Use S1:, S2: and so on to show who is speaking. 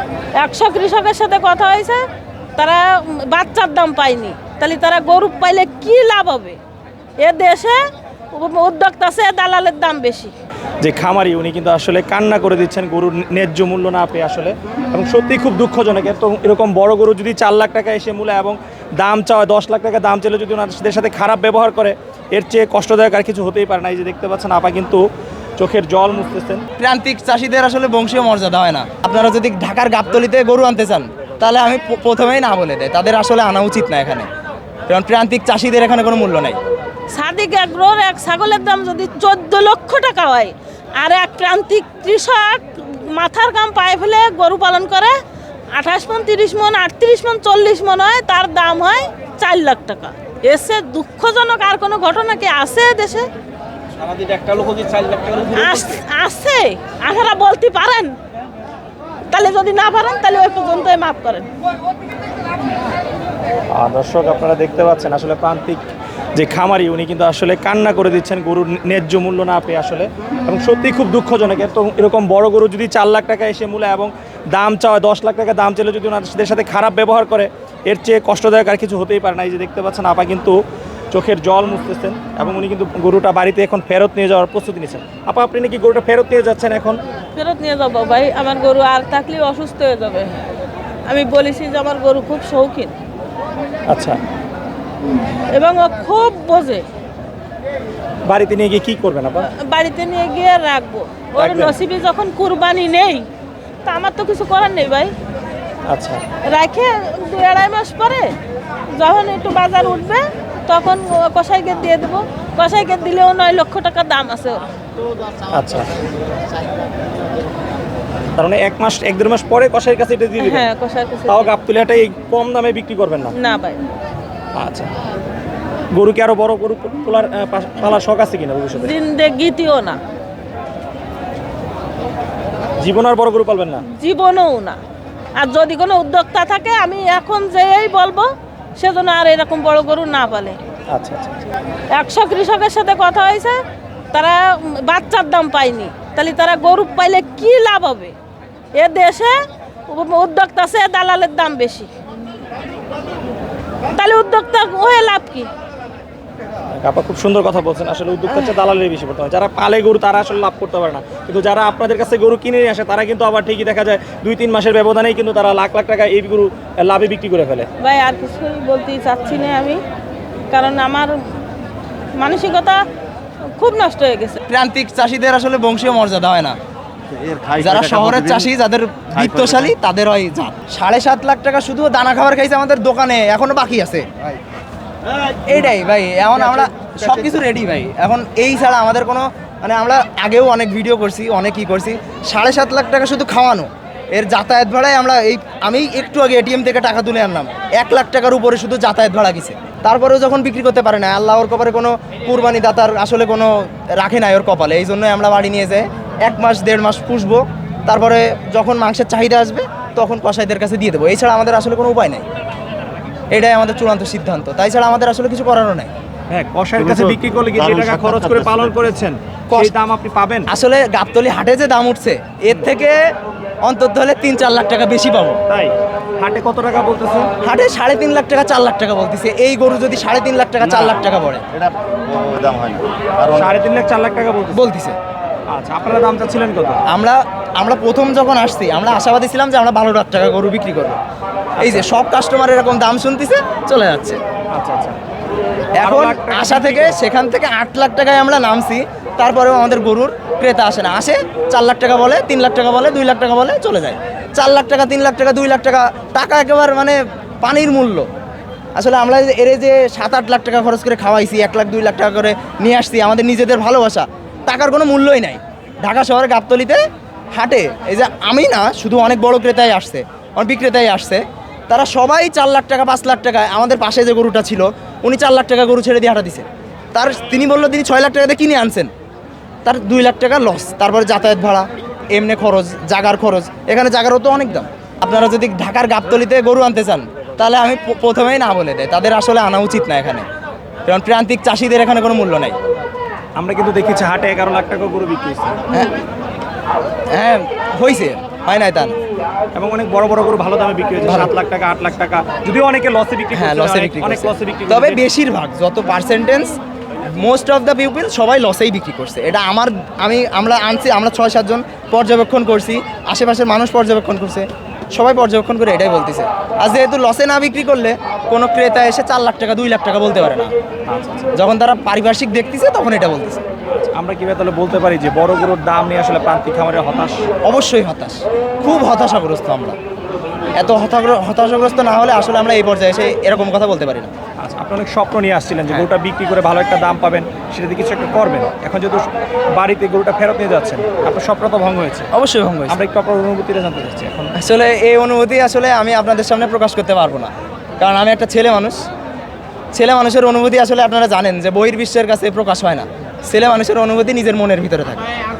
S1: 100 কৃষকের সাথে কথা হয়েছে, তারা বাচ্চার দাম পায়নি, তাহলে তারা গরু পাইলে কি লাভ হবে? এ দেশে উদ্যোক্তা আছে, দালালের দাম বেশি।
S2: যে খামারি উনি কিন্তু আসলে কান্না করে দিচ্ছেন গরুর ন্যায্য মূল্য না পেয়ে আসলে, এবং সত্যি খুব দুঃখজনক। তো এরকম বড় গরু যদি 4 লাখ টাকা এসে মূল্য এবং দাম চাওয়া 10 লাখ টাকা দাম চাইলে যদি ওনাদের সাথে খারাপ ব্যবহার করে, এর চেয়ে কষ্টদায়ক আর কিছু হতেই পারে না। এই যে দেখতে পাচ্ছেন আপা কিন্তু চোখের জল মুছতেছেন।
S3: প্রান্তিক চাষিদের আসলে বংশীয় মর্যাদা হয় না। আপনারা যদি ঢাকার গাবতলীতে গরু আনতে চান, তাহলে আমি প্রথমেই না বলে দেয়, তাদের আসলে আনা উচিত না এখানে, কারণ প্রান্তিক চাষিদের এখানে কোনো মূল্য নাই।
S1: সাদিক এগ্রোর এক ছাগলের দাম যদি 14 লক্ষ টাকা হয়, আর এক প্রান্তিক কৃষক মাথার গাম পায়ে ফেলে গরু পালন করে 28 মন, 30 মন, 38 মন, 40 মন হয়, তার দাম হয় 4 লাখ টাকা। এসে দুঃখজনক আর কোনো ঘটনা কি আছে দেশে? আছে, আপনারা বলতে পারেন? তাহলে যদি না পারেন তাহলে ওই পর্যন্তই মাফ করেন।
S2: দর্শক আপনারা দেখতে পাচ্ছেন আসলে প্রান্তিক যে খামারি উনি কিন্তু আসলে কান্না করে দিচ্ছেন গরুর ন্যায্য মূল্য না পেয়ে আসলে, এবং সত্যি খুব দুঃখজনক। তো এরকম বড় গরু যদি 4 লাখ টাকা এসে মূল্য এবং দাম চাওয়া 10 লাখ টাকা দাম চাইলে যদি ওনাদের সাথে খারাপ ব্যবহার করে, এর চেয়ে কষ্টদায়ক আর কিছু হতেই পারে না। এই যে দেখতে পাচ্ছেন আপা কিন্তু চোখের জল মুছতেছেন, এবং উনি কিন্তু গরুটা বাড়িতে এখন ফেরত নিয়ে যাওয়ার প্রস্তুতি নিচ্ছেন। আপা আপনি নাকি গরুটা ফেরত নিয়ে যাচ্ছেন এখন?
S1: ফেরত নিয়ে যাবো ভাই, আমার গরু আর থাকলে অসুস্থ হয়ে যাবে। আমি বলেছি যে আমার গরু খুব শৌখিন।
S2: আচ্ছা,
S1: এবং ও খুব বোঝে।
S2: বাড়িতে নিয়ে গিয়ে কি করবেন আপা?
S1: বাড়িতে নিয়ে গিয়ে রাখবো। ওর নসিবে যখন কুরবানি নেই, তা আমার তো কিছু করার নেই ভাই।
S2: আচ্ছা,
S1: রাখে 2-2.5 মাস পরে যখন একটু বাজার উঠবে, তখন কসাইকে দিয়ে দেবো। কসাইকে দিলেও 9 লক্ষ টাকা দাম আছে ওর।
S2: আচ্ছা, তার মানে 1-1.5 মাস পরে কসাইয়ের কাছে এটা দিয়ে দিবেন?
S1: হ্যাঁ, কসাইয়ের কাছে।
S2: তাও গাবতলীটাই কম দামে বিক্রি করবেন না?
S1: না ভাই।
S2: আচ্ছা, গরু কি আরো বড় গরু পালার শখ আছে কিনা ভবিষ্যতে?
S1: জিন্দেগিতেও না,
S2: জীবন আর বড় গরু পালবেন না?
S1: জীবনেও না। আর যদি কোনো উদ্যোক্তা থাকে, আমি এখন যেই বলবো সেজন্য আর এরকম বড় গরু না পালে।
S2: আচ্ছা আচ্ছা,
S1: 100 কৃষকের সাথে কথা হয়েছে, তারা বাচ্চার দাম পায়নি, তাহলে তারা গরু পাইলে কি লাভ হবে? এ দেশে উদ্যোক্তা আছে, দালালের দাম বেশি, তাহলে উদ্যোক্তা হয়ে লাভ কি?
S2: আপা খুব সুন্দর কথা বলছেন। আসলে উদ্যোক্তার চেয়ে দালালের বেশি পড়তে হয়। যারা পালে গরু তারা আসলে লাভ করতে পারে না, কিন্তু যারা আপনাদের কাছে গরু কিনে নিয়ে আসে তারা কিন্তু আবার ঠিকই দেখা যায় 2-3 মাসের ব্যবধানেই কিন্তু তারা লাখ লাখ টাকা এই গরু লাভে বিক্রি করে ফেলে।
S1: ভাই আর কিছুই বলতে চাচ্ছি না আমি, কারণ আমার মানসিকতা খুব নষ্ট হয়ে গেছে।
S3: প্রান্তিক চাষিদের আসলে বংশীয় মর্যাদা হয় না। যারা শহরের চাষি, যাদের বিত্তশালী, তাদের হয় যা। 7.5 লাখ টাকা শুধু দানা খাবার খাইছে আমাদের দোকানে, এখনো বাকি আছে। এইটাই ভাই, এখন আমরা সবকিছু রেডি ভাই। এখন এই ছাড়া আমাদের কোনো, মানে আমরা আগেও অনেক ভিডিও করছি, অনেক কি করছি। 7.5 লাখ টাকা শুধু খাওয়ানো, এর যাতায়াত ভাড়ায় আমরা আমি একটু আগে এটিএম থেকে টাকা তুলে আনলাম, 1 লাখ টাকার উপরে শুধু যাতায়াত ভাড়া গেছে। তারপরেও যখন বিক্রি করতে পারে না, আল্লাহ ওর কপালে কোনো কুরবানি দাতার আসলে কোনো রাখে নাই ওর কপালে। এই জন্যই আমরা বাড়ি নিয়ে যাই 1-1.5 মাস পুষবো, তারপরে যখন মাংসের চাহিদা আসবে তখন কসাইদের কাছে দিয়ে দেবো। এছাড়া আমাদের আসলে কোনো উপায় নাই, এটাই আমাদের চূড়ান্ত সিদ্ধান্ত। তাই ছাড়া আমাদের আসলে কিছু করারও নাই।
S2: হ্যাঁ, কসাইয়ের কাছে বিক্রি করলে কি যে টাকা খরচ করে পালন করেছেন সেই দাম আপনি পাবেন?
S3: আসলে গাবতলী হাটে যে দাম উঠছে, এর থেকে অন্তত হলে 3-4 লাখ টাকা বেশি পাবো।
S2: তাই হাটে কত টাকা বলতেছে?
S3: হাটে 3.5 লাখ টাকা 4 লাখ টাকা বলতেছে। এই গরু যদি 3.5 লাখ টাকা 4 লাখ টাকা পড়ে,
S4: এটা দাম হয় না।
S2: 3.5 লাখ 4 লাখ টাকা
S3: বলতেছে।
S2: আচ্ছা, আপনারা দাম চাচ্ছিলেন কত?
S3: আমরা প্রথম যখন আসছি, আমরা আশাবাদী ছিলাম যে আমরা 12 লাখ টাকা গরু বিক্রি করবো। এই যে সব কাস্টমার এরকম দাম শুনতেছে, চলে যাচ্ছে।
S2: আচ্ছা আচ্ছা,
S3: এখন আশা থেকে সেখান থেকে 8 লাখ টাকায় আমরা নামছি, তারপরেও আমাদের গরুর ক্রেতা আসে না। আসে 4 লাখ টাকা বলে, 3 লাখ টাকা বলে, 2 লাখ টাকা বলে, চলে যায়। 4 লাখ টাকা, 3 লাখ টাকা, 2 লাখ টাকা, টাকা একেবারে মানে পানির মূল্য। আসলে আমরা এর যে 7-8 লাখ টাকা খরচ করে খাওয়াইছি, 1 লাখ 2 লাখ টাকা করে নিয়ে আসছি, আমাদের নিজেদের ভালোবাসা, টাকার কোনো মূল্যই নাই। ঢাকা শহরে গাবতলীতে হাটে এই যে আমি না, শুধু অনেক বড় ক্রেতাই আসছে, অনেক বিক্রেতাই আসছে, তারা সবাই 4 লাখ টাকা 5 লাখ টাকায়। আমাদের পাশে যে গরুটা ছিল, উনি 4 লাখ টাকা গরু ছেড়ে দিয়ে হাঁটা দিছে। তিনি বললো তিনি 6 লাখ টাকাতে কিনে আনছেন, তার 2 লাখ টাকা লস। তারপরে যাতায়াত ভাড়া, এমনি খরচ, জাগার খরচ, এখানে জাগারও তো অনেক দাম। আপনারা যদি ঢাকার গাবতলীতে গরু আনতে চান, তাহলে আমি প্রথমেই না বলে দেয়, তাদের আসলে আনা উচিত না এখানে, কারণ প্রান্তিক চাষিদের এখানে কোনো মূল্য নাই।
S2: আমরা কিন্তু দেখেছি হাটে 11 লাখ টাকা গরু বিক্রি হয়েছে।
S3: হ্যাঁ হয়েছে, হয় নাই তা না।
S2: এবং অনেক বড় বড় গরু ভালো দামে বিক্রি হয়েছে, 7 লাখ টাকা 8 লাখ টাকা, যদিও অনেকে লসে বিক্রি
S3: হ্যাঁ
S2: করছে,
S3: লসে বিক্রি
S2: অনেক
S3: করছে।
S2: লসে বিক্রি
S3: তবে
S2: করছে।
S3: বেশিরভাগ যত percentage most of the people সবাই লসেই বিক্রি করছে। এটা আমরা আনছি, আমরা 6-7 জন পর্যবেক্ষণ করছি, আশেপাশের মানুষ পর্যবেক্ষণ করছে, সবাই পর্যবেক্ষণ করে এটাই বলতেছে। আর যেহেতু লসে না বিক্রি করলে কোনো ক্রেতা এসে 4 লাখ টাকা 2 লাখ টাকা বলতে পারে না।
S2: আচ্ছা, আচ্ছা।
S3: যখন তারা পারিপার্শ্বিক দেখতেছে তখন এটা বলতেছে।
S2: আমরা কিভাবে তাহলে বলতে পারি যে বড় গরুর দাম নিয়ে আসলে প্রান্তিক খামারে হতাশ?
S3: অবশ্যই হতাশ, খুব হতাশাগ্রস্ত আমরা। এত হতাশাগ্রস্ত না হলে আসলে আমরা এই পর্যায়ে এসে এরকম কথা বলতে পারি না।
S2: আচ্ছা, আপনি অনেক স্বপ্ন নিয়ে আসছিলেন যে
S3: হ্যাঁ।
S2: গরুটা বিক্রি করে ভালো একটা দাম পাবেন, সেটাতে কিছু একটা করবেন। এখন যেহেতু বাড়িতে গরুটা ফেরত নিয়ে যাচ্ছেন, আপনার স্বপ্ন তো ভঙ্গ হয়েছে।
S3: অবশ্যই ভঙ্গ হয়েছে।
S2: আমরা একটু আপনার অনুভূতিটা জানতে চাচ্ছি এখন।
S3: আসলে এই অনুভূতি আসলে আমি আপনাদের সামনে প্রকাশ করতে পারবো না, কারণ আমি একটা ছেলে মানুষ। ছেলে মানুষের অনুভূতি আসলে আপনারা জানেন যে বহির্বিশ্বের কাছে প্রকাশ হয় না। ছেলে মানুষের অনুভূতি নিজের মনের ভিতরে থাকে।